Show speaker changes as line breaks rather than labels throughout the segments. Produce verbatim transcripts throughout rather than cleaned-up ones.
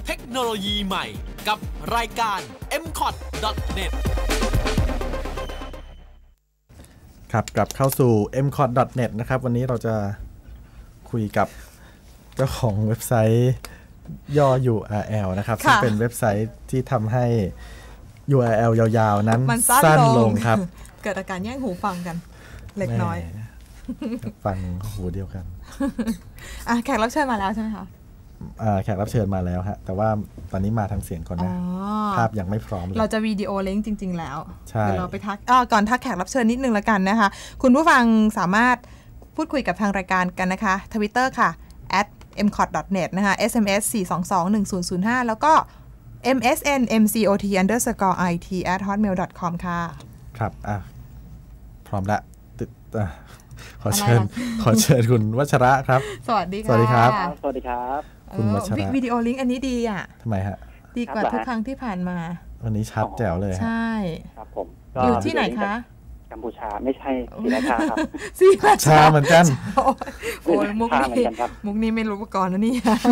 เทคโนโลยีใหม่กับรายการ เอ็ม คอท ดอท เน็ต
ครับกลับเข้าสู่ เอ็ม คอท ดอท เน็ต นะครับวันนี้เราจะคุยกับเจ้าของเว็บไซต์ย่อ ยู อาร์ แอล นะครับซึ่งเป็นเว็บไซต์ที่ทำให้ ยู อาร์ แอล ยาวๆนั้นสั้นลงครับ
เกิดอาการแย่งหูฟังกันเล็กน้อย
ฟังหูเดียวกัน
อ่ะแขกรับเชิญมาแล้วใช่ไหมคะ
อ่าแขกรับเชิญมาแล้วฮะแต่ว่าตอนนี้มาทางเสียงก่อนนะภาพยังไม่พร้อมเลย
เราจะวิดีโอลิงก์จริงๆแล้ว
ใช่
เดี๋ยวเราไปทักอ่าก่อนทักแขกรับเชิญนิดนึงละกันนะคะคุณผู้ฟังสามารถพูดคุยกับทางรายการกันนะคะ Twitter ค่ะ แอท เอ็ม คอท ดอท เน็ต นะคะ เอส เอ็ม เอส สี่ สอง สอง หนึ่ง ศูนย์ ศูนย์ ห้า แล้วก็ เอ็ม เอส เอ็น เอ็ม ซี โอ ที underscore ไอ ที แอท ฮอตเมล ดอท คอม ค่ะ
ครับอ่ะพร้อมละติดอ่ะขอเชิญขอเชิญคุณวัชระครับ
สวัสดีค่ะ
สวัสดีครับ
สวัสดีครับ
คุณวัชระ
วิดีโอลิงก์อันนี้ดีอ่ะ
ทำไมฮะ
ดีกว่าทุกครั้งที่ผ่านมา
วันนี้ชัดแจ๋วเลย
ใช่
ครับผม
อยู่ที่ไหนคะ
กัมพูชาไม่ใช่ศรีราชาครับ
ศรีรา
ชาเหมือนกัน
โอ้ยมุกนี้มุกนี้ไม่รู้มาก่อนนะนี่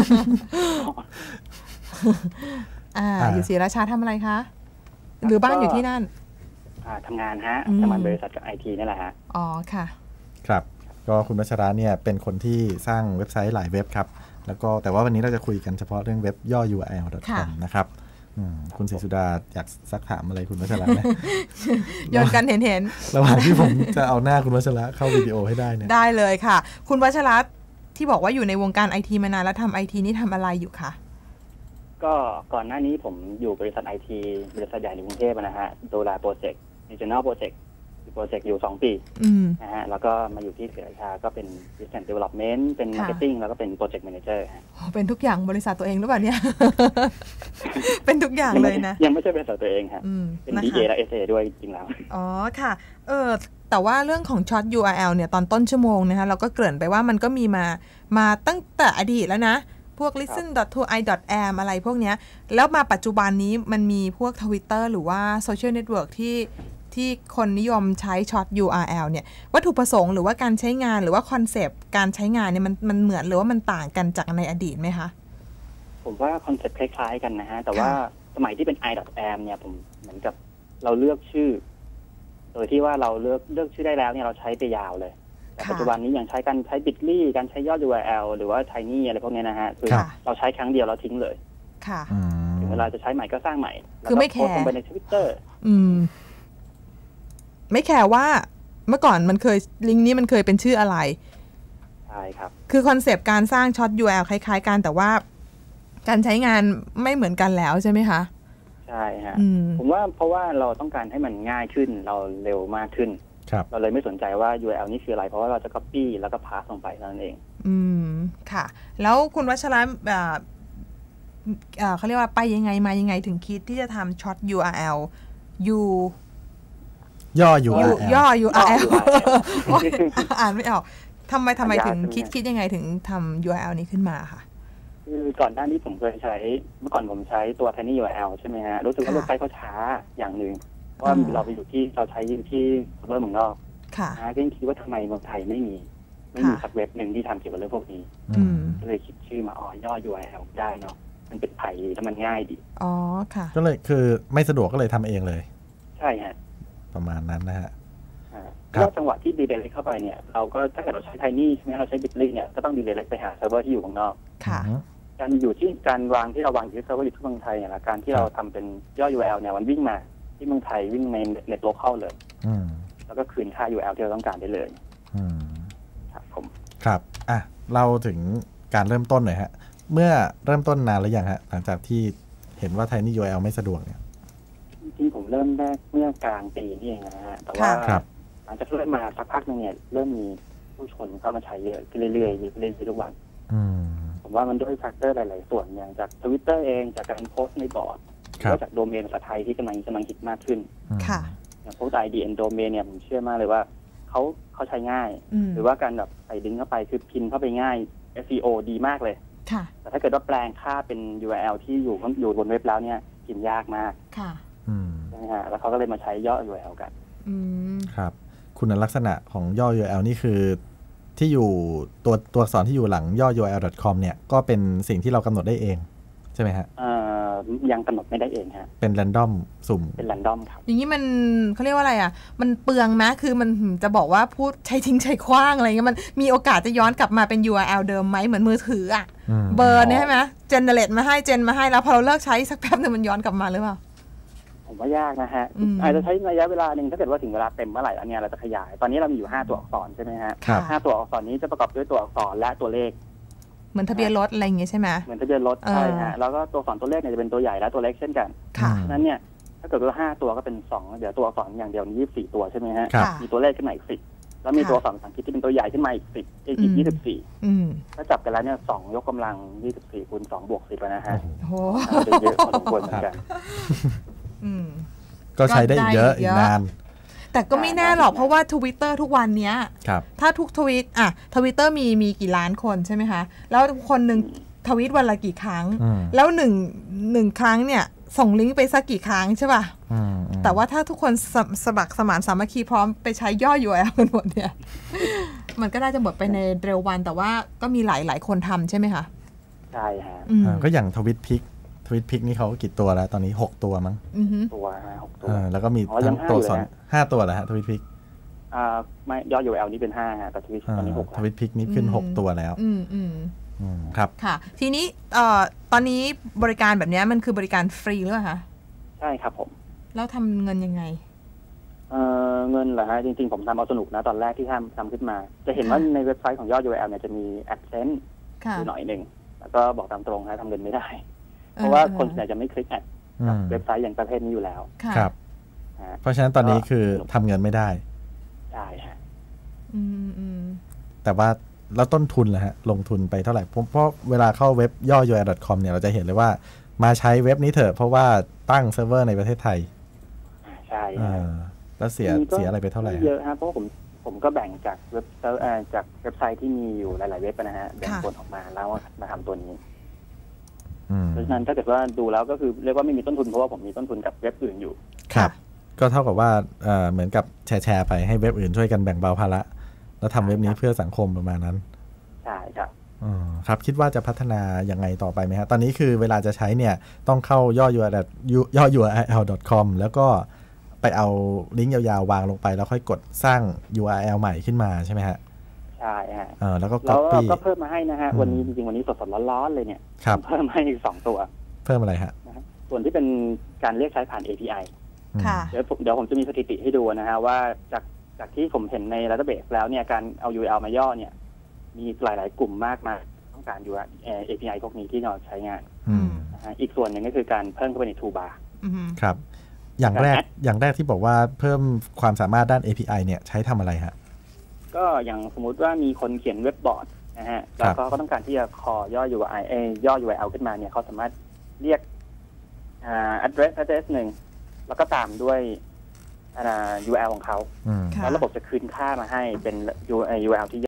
อ่าอยู่ศรีราชาทำอะไรคะหรือบ้านอยู่ที่นั่น
อ่าทำงานฮะทำงานบริษัทกับไอทีนี่แหละฮะ
อ๋อค่ะ
ครับก็คุณวัชระเนี่ยเป็นคนที่สร้างเว็บไซต์หลายเว็บครับแล้วก็แต่ว่าวันนี้เราจะคุยกันเฉพาะเรื่องเว็บย่อ ยู อาร์ แอล ดอท คอม นะครับคุณศรีสุดาอยากซักถามอะไรคุณวัชระไหม
โยนกันเห็นเห็น
ระหว่างที่ผมจะเอาหน้าคุณวัชระเข้าวิดีโอให้ได้เนี่ย
ได้เลยค่ะคุณวัชระที่บอกว่าอยู่ในวงการไอทีมานานแล้วทำไอทีนี่ทำอะไรอยู่คะ
ก็ก่อนหน้านี้ผมอยู่บริษัทไอทีบริษัทใหญ่ในกรุงเทพนะฮะดูแลโปรเจกต์ Regional Project โปรเจกต์อยู่สองปีนะฮะแล้วก็มาอยู่ที่ศรีราชาก็เป็น Business Development เป็น Marketing แล้วก็เป็น Project Manager ฮะ
เป็นทุกอย่างบริษัทตัวเองหรือเปล่าเนี่ยเป็นทุกอย่างเลยนะ
ยังไม่ใช่บริษัทตัวเองครับเป็น ดี เอ และ เอส เอ ด้วยจริงแล้ว
อ๋อค่ะเออแต่ว่าเรื่องของช็อต ยู อาร์ แอล เนี่ยตอนต้นชั่วโมงนะคะเราก็เกริ่นไปว่ามันก็มีมามาตั้งแต่อดีตแล้วนะพวก ลิสเทน ดอท ทู ไอ ดอท แอม อะไรพวกเนี้ยแล้วมาปัจจุบันนี้มันมีพวก Twitter หรือว่าโซเชียลเน็ตเวิร์กที่ที่คนนิยมใช้ช็อต ยู อาร์ แอล เนี่ยวัตถุประสงค์หรือว่าการใช้งานหรือว่าคอนเซปต์การใช้งานเนี่ยมันมันเหมือนหรือว่ามันต่างกันจากในอดีตไหมคะ
ผมว่าคอนเซปต์คล้ายๆกันนะฮะแต่ว่าสมัยที่เป็น ไอ ดอท แอม เนี่ยผมเหมือนกับเราเลือกชื่อโดยที่ว่าเราเลือกเลือกชื่อได้แล้วเนี่ยเราใช้ไปยาวเลยแต่ปัจจุบันนี้อย่างใช้การใช้ บิต ลี่ การใช้ย่อ ยู อาร์ แอล หรือว่า Tiny อะไรพวกนี้นะฮะคือเราใช้ครั้งเดียวเราทิ้งเลย
ค่ะ
ถึงเวลาจะใช้ใหม่ก็สร้างใหม่
คือไม่แคร์
ลงไปใน Twitter
อืมไม่แคร์ว่าเมื่อก่อนมันเคยลิงก์นี้มันเคยเป็นชื่ออะไร
ใช่ครับ
คือคอนเซปต์การสร้างช็อต ยู อาร์ แอล คล้ายๆกันแต่ว่าการใช้งานไม่เหมือนกันแล้วใช่ไหมคะ
ใช่ฮะผมว่าเพราะว่าเราต้องการให้มันง่ายขึ้นเราเร็วมากขึ้นเราเลยไม่สนใจว่า ยู อาร์ แอล นี่คืออะไรเพราะว่าเราจะ copy แล้วก็ pass ลงไปนั่นเอง
อืมค่ะแล้วคุณวัชระอ่าอ่าเขาเรียกว่าไปยังไงมายังไงถึงคิดที่จะทำช็อต ยู อาร์ แอล ยู
ย่อ ยู อาร์ แอล
ย่อ ยู อาร์ แอล อ่านไม่ออกทำไมทำไมถึงคิดคิดยังไงถึงทำ ยู อาร์ แอล นี้ขึ้นมาค่ะ
คือก่อนหน้านี้ผมเคยใช้เมื่อก่อนผมใช้ตัว Tiny ยู อาร์ แอล ใช่ไหมฮะรู้สึกว่าเว็บไซต์เขาช้าอย่างหนึ่งเพราะว่าเราไปอยู่ที่เราใช้ที่เซิร์ฟเวอร์เมืองนอกนะก็ยังคิดว่าทำไมเมืองไทยไม่มีไม่มีสักเว็บหนึ่งที่ทำเกี่ยวกับเรื่องพวกนี้ก็เลยคิดชื่อมาอ๋อย่อ ยู อาร์ แอล ได้เนาะมันเป็นไทยแล้วมันง่ายดี
อ๋อค่ะ
ก็เลยคือไม่สะดวกก็เลยทำเองเลย
ใช่ฮะ
ประมาณนั้นนะฮะ
แล้วจังหวะที่ดีเลย์เข้าไปเนี่ยเราก็ถ้าเกิดเราใช้ Tiny ใช่ไหมเราใช้ บิต ลี่ เนี่ยก็ต้องดีเลย์ไปหาเซิร์ฟเวอร์ที่อยู่ข้างนอก
ค่ะ
การอยู่ที่การวางที่เราวางที่เซิร์ฟเวอร์อยู่ที่เมืองไทยเนี่ยการที่เราทำเป็นย่อ ยู อาร์ แอล เนี่ยมันวิ่งมาที่เมืองไทยวิ่งในเน็ตโลคอลเลยแล้วก็คืนค่า ยู อาร์ แอล ที่เราต้องการได้เลยครับผม
ครับอ่ะเราถึงการเริ่มต้นหน่อยฮะเมื่อเริ่มต้นนานแล้วยังฮะหลังจากที่เห็นว่า Tiny ยู อาร์ แอล ไม่สะดวกเนี่ย
จริงๆผมเริ่มแรกเมื่อกลางปีนี่เองนะฮะแต่ว่าหลังจากเริ่มมาสักพักนึงเนี่ยเริ่มมีผู้ชนเข้ามาใช้เยอะขึ้นเรื่อยๆเรื่อยๆทุกวันผมว่ามันด้วยแฟกเตอร์หลายๆส่วนอย่างจาก Twitter เองจากการโพสต์ในบอร์ดแล้วจากโดเมนภาษาไทยที่กำลังกำลังฮิตมากขึ้นอย่างพวก ไอ ดี เอ็น โดเมนเนี่ยผมเชื่อมากเลยว่าเขาเขาใช้ง่ายหรือว่าการแบบใส่ลิงก์เข้าไปคือพิมพ์เข้าไปง่าย เอส อี โอ ดีมากเลยแต่ถ้าเกิดว่าแปลงค่าเป็น ยู อาร์ แอล ที่อยู่อยู่บนเว็บแล้วเนี่ยพิมพ์ยากมากใช่ไหมฮะแล้วเขาก็เลยมาใช้ย่อ ยู อาร์ แอล กัน
ครับคุณลักษณะของย่อ ยู อาร์ แอล นี่คือที่อยู่ตัวตัวอักษรที่อยู่หลังย่อ ยู อาร์ แอล ดอท คอม เนี่ยก็เป็นสิ่งที่เรากำหนดได้เองใช่ไหมฮะ
ยังกำหนดไม่ได้เองฮะ
เป็นแรนดอมสุ่ม
เป็นแรนดอมครับ
อย่างนี้มันเขาเรียกว่าอะไรอ่ะมันเปลืองไหมคือมันจะบอกว่าพูดใช้ทิ้งใช้คว้างอะไรเงี้ยมันมีโอกาสจะย้อนกลับมาเป็น ยู อาร์ แอล เดิมไหมเหมือนมือถืออ่ะเบอร์เนี่ยใช่ไหมเจเนเรตมาให้เจนมาให้แล้วพอเราเลิกใช้สักแป๊บนึงมันย้อนกลับมาหรือเปล่า
ผมว่ายากนะฮะอาจจะใช้ระยะเวลาหนึ่งถ้าเกิดว่าถึงเวลาเต็มเมื่อไหร่แล้วเนี่ยเราจะขยายตอนนี้เรามีอยู่ห้าตัวอักษรใช่ไหมฮะห้าตัวอักษรนี้จะประกอบด้วยตัวอักษรและตัวเลข
เหมือนทะเบียนรถอะไรอย่างเงี้ยใช่ไหม
เหมือนทะเบียนรถใช่ฮะแล้วก็ตัวอักษรตัวเลขเนี่ยจะเป็นตัวใหญ่และตัวเล็กเช่นกันนั้นเนี่ยถ้าเกิดว่าห้าตัวก็เป็นสองเดี๋ยวตัวอักษรอย่างเดียวนี้ยี่สิบสี่ตัวใช่ไหมฮะมีตัวเลขขึ้นมาอีกสิบแล้วมีตัวอักษรภาษาอังกฤษที่เป็นตัวใหญ่ขึ้นมาอีกสิบอีกยี่สิบสี่ถ้าจับกันแล้วเนี่ยสองยกกำลังยี่สิบสี่คูณสองบวกสิบนะฮะ
โอ้
เยอะพอสมควรเหมือนกัน
ก็ใช้ได้เยอะอีกนาน
แต่ก็ไม่แน่หรอกเพราะว่า Twitter ทุกวันเนี้ยถ้าทุกทวีตอ่ะ Twitter มีมีกี่ล้านคนใช่ไหมคะแล้วคนหนึ่งทวีตวันละกี่ครั้งแล้วหนึ่งหนึ่งครั้งเนี่ยส่งลิงก์ไปสักกี่ครั้งใช่ป่ะแต่ว่าถ้าทุกคนสสมัครสมานสามัคคีพร้อมไปใช้ย่อ ยู อาร์ แอล กันหมดเนี่ย มันก็น่าจะหมดไปในเร็ววันแต่ว่าก็มีหลายหลายคนทำใช่ไหมคะ
ใช่ฮะ
ก็อย่างทวิตพิกทวิตพิกนี่เขากี่ตัวแล้วตอนนี้หกตัวมั้ง
ตัวหกตัว
แล้วก็มีทั้งตัวสอนห้าตัวแหละฮะทวิตพิก
อ่าไม่ยอด ยู อาร์ แอล นี่เป็นห้าฮะแต่ทวิตตอนนี้หก
ทวิตพิกนี่ขึ้นหกตัวแล้ว
อืมอืม
ครับ
ค่ะทีนี้เอ่อตอนนี้บริการแบบนี้มันคือบริการฟรีหรือเปล่าคะ
ใช่ครับผม
แล้วทำเงินยังไง
เอ่อเงินเหรอฮะจริงๆผมทำเอาสนุกนะตอนแรกที่ทำทำขึ้นมาจะเห็นว่าในเว็บไซต์ของยอด ยู อาร์ แอล เนี่ยจะมี AdSense อยู่หน่อยหนึ่งแล้วก็บอกตามตรงนะทำเงินไม่ได้เพราะว่าคนส่วนใหญ่จะไม่คลิกแอดเว็บไซต์อย่างประเภทนี้อยู่แล้ว
ครับเพราะฉะนั้นตอนนี้คือทำเงินไม่ได้
ใช่ฮะ
แต่ว่าแล้วต้นทุนล่ะฮะลงทุนไปเท่าไหร่เพราะเวลาเข้าเว็บย่อ ยู อาร์ แอล ดอท คอม เนี่ยเราจะเห็นเลยว่ามาใช้เว็บนี้เถอะเพราะว่าตั้งเซิร์ฟเวอร์ในประเทศไทย
ใช่
แล้วเสียเสียอะไรไปเท่าไหร่
เยอะฮะเพราะผมผมก็แบ่งจากเว็บจากเว็บไซต์ที่มีอยู่หลายๆเว็บนะฮะแบ่งส่วนออกมาแล้วมาทำตัวนี้เพราะฉะนั้นถ้าเกิดว่าดูแล้วก็คือเรียกว่าไม่มีต้นทุนเพราะว่าผมมีต้นทุนกับเว็บอื่นอยู่
ครับก็เท่ากับว่าเหมือนกับแชร์แชร์ไปให้เว็บอื่นช่วยกันแบ่งเบาภาระแล้วทำเว็บนี้เพื่อสังคมประมาณนั้น
ใช่ครับ
อ๋อครับคิดว่าจะพัฒนายังไงต่อไปไหมฮะตอนนี้คือเวลาจะใช้เนี่ยต้องเข้าย่อ ยู อาร์ แอล ย่อ ยู อาร์ แอล ดอท คอม แล้วก็ไปเอาลิงก์ยาวๆวางลงไปแล้วค่อยกดสร้าง ยู อาร์ แอล ใหม่ขึ้นมาใช่ไหมฮะ
ใช่ฮะ
เออแล้วก็
copy ก็เพิ่มมาให้นะฮะวันนี้จริงๆวันนี้สดๆร้อนๆเลยเนี่ยเพิ่มให้อีกสองตัว
เพิ่มอะไรฮะ
ส่วนที่เป็นการเรียกใช้ผ่าน เอ พี ไอ เดี๋ยวเดี๋ยวผมจะมีสถิติให้ดูนะฮะว่าจากจากที่ผมเห็นในดัตเตอร์เบสแล้วเนี่ยการเอา ยู อาร์ แอล มาย่อเนี่ยมีหลายๆกลุ่มมากมาต้องการ ยู อาร์ แอล เอ พี ไอ พวกนี้ที่เราใช้งานนะฮะอีกส่วนหนึ่งก็คือการเพิ่มเข้าไปใน Toolbar
ครับอย่างแรกอย่างแรกที่บอกว่าเพิ่มความสามารถด้าน เอ พี ไอ เนี่ยใช้ทำอะไรฮะ
ก็อย่างสมมุติว่ามีคนเขียนเว็บบอร์ดนะฮะแล้วก็เขาต้องการที่จะคอย่อ ยู อาร์ แอล ย่อ ยู อาร์ แอล ขึ้นมาเนี่ยเขาสามารถเรียกอ่า address address หนึ่งแล้วก็ตามด้วยอ่า ยู อาร์ แอล ของเขาแล้วระบบจะคืนค่ามาให้เป็น ยู อาร์ แอล ที่